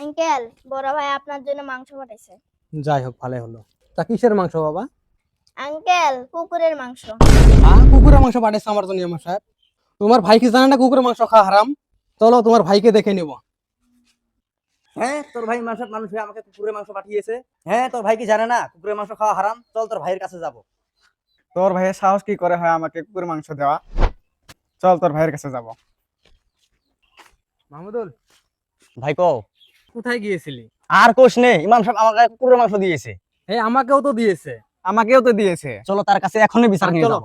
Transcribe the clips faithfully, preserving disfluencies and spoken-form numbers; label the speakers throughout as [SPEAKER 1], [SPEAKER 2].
[SPEAKER 1] Uncle, বড় ভাই আপনার জন্য মাংস পাঠাইছে।
[SPEAKER 2] যাই হোক, ভালোই হলো। তা কিসের মাংস বাবা?
[SPEAKER 1] আঙ্কেল, কুকুরের মাংস।
[SPEAKER 2] হ্যাঁ, কুকুরের মাংস পাঠাইছে আমার জন্য আমার সাহেব। তোমার ভাই কি জানে না কুকুরের মাংস খাওয়া হারাম? চলো তোমার ভাইকে দেখে নিব।
[SPEAKER 3] হ্যাঁ, তোর ভাই মানুষ মানুষ হয়ে আমাকে কুকুরের মাংস পাঠিয়েছে। হ্যাঁ, তোর ভাই কি জানে না কুকুরের মাংস খাওয়া হারাম? চল তোর ভাইয়ের কাছে যাব।
[SPEAKER 4] তোর ভাইয়ের সাহস কি করে হয় আমাকে কুকুরের মাংস দেওয়া? চল তোর ভাইয়ের কাছে যাব।
[SPEAKER 2] মাহমুদুল,
[SPEAKER 3] ভাই কও।
[SPEAKER 2] কোথায় গিয়েছিলি?
[SPEAKER 3] আর কোশ নেই, ইমাম সাহেব আমাকে কুকুরের মাংস দিয়েছে।
[SPEAKER 2] এই আমাকেও তো দিয়েছে।
[SPEAKER 4] আমাকেও তো দিয়েছে।
[SPEAKER 3] চলো তার কাছে এখনই বিচার নিয়ে
[SPEAKER 2] চলো।
[SPEAKER 3] যাব।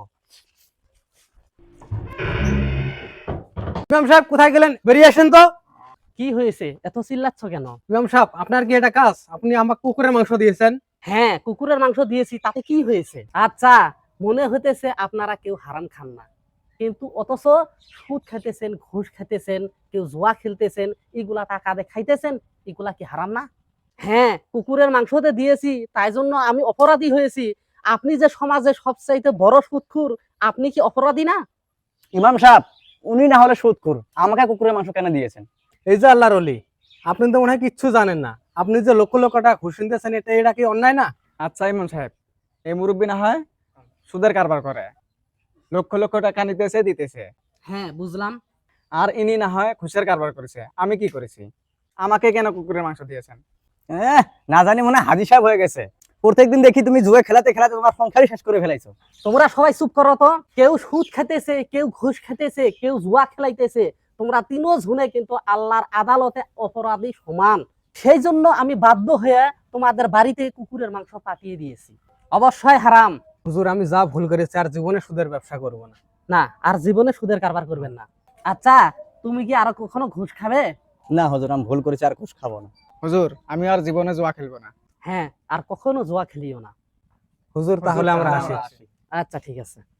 [SPEAKER 2] ইমাম সাহেব কোথায় গেলেন? বেরিয়ে আসেন তো।
[SPEAKER 5] কি হয়েছে, এত চিল্লাচ্ছ কেন?
[SPEAKER 2] ইমাম সাহেব, আপনার কি এটা কাজ? আপনি আমাকে কুকুরের মাংস দিয়েছেন।
[SPEAKER 5] হ্যাঁ, কুকুরের মাংস দিয়েছি, তাতে কি হয়েছে? আচ্ছা, মনে হইতেছে আপনারা কেউ হারাম খান না, কিন্তু অথচ সুদ খাইতেছেন, ঘুষ খাইতেছেন, কেউ জুয়া খেলতেছেন, এগুলা টাকা দিয়ে খাইতেছেন, এগুলা কি হারাম না? হ্যাঁ, কুকুরের মাংসতে দিয়েছি, তাই জন্য আমি অপরাধী হয়েছি। আপনি যে সমাজে সবচাইতে বড় সুদখোর, আপনি কি অপরাধী না?
[SPEAKER 3] ইমাম সাহেব, উনি না হলে সুদখোর, আমাকে কুকুরের মাংস কেন দিয়েছেন?
[SPEAKER 2] এই যে আল্লাহর ওলি, আপনি তো মনে হয় কিচ্ছু জানেন না। আপনি যে লক্ষ লক্ষ টাকা ঘুষ নিতেছেন, এটা এটা কি অন্যায় না?
[SPEAKER 4] আচ্ছা ইমাম সাহেব, এই মুরব্বী না হয় সুদের কারবার করে, লক্ষ লক্ষ টাকা নিতেছে দিতেছে,
[SPEAKER 5] হ্যাঁ, বুঝলাম।
[SPEAKER 4] আর ইনি না হয় ঘুষের কারবার করেছে। আমি কি করেছি? আমাকে কেন কুকুরের মাংস দিয়েছেন?
[SPEAKER 3] এহ, না জানি মনে হয় হাজি সাহেব হয়ে গেছে। প্রত্যেকদিন দেখি তুমি জুয়ে খেলাতে খেলাতে তোমার সংসারই শেষ করে ফেলাইছো।
[SPEAKER 5] তোমরা সবাই চুপ করো তো। কেউ সুদ খেতেছে, কেউ ঘুষ খেতেছে, কেউ জুয়া খেলাইতেছে। তোমরা তিনও জনে কিন্তু আল্লাহর আদালতে অপরাধী সমান। সেই জন্য আমি বাধ্য হয়ে তোমাদের বাড়িতে কুকুরের মাংস পাঠিয়ে দিয়েছি। অবশ্যই হারাম।
[SPEAKER 2] হুজুর, আমি যা ভুল করেছি আর জীবনে সুদের ব্যবসা করব না।
[SPEAKER 5] না, আর জীবনে সুদের কারবার করবেন না। আচ্ছা, তুমি কি আরো কখনো ঘুষ খাবে?
[SPEAKER 3] না হুজুর, আমি ভুল করেছি, আর ঘুষ খাবো না।
[SPEAKER 4] হুজুর, আমি আর জীবনে জুয়া খেলবো না।
[SPEAKER 5] হ্যাঁ, আর কখনো জুয়া খেলিও না।
[SPEAKER 2] হুজুর, তাহলে আমরা
[SPEAKER 4] তাহলে
[SPEAKER 2] আসি।
[SPEAKER 4] আমরা আসি।
[SPEAKER 5] আচ্ছা, ঠিক আছে।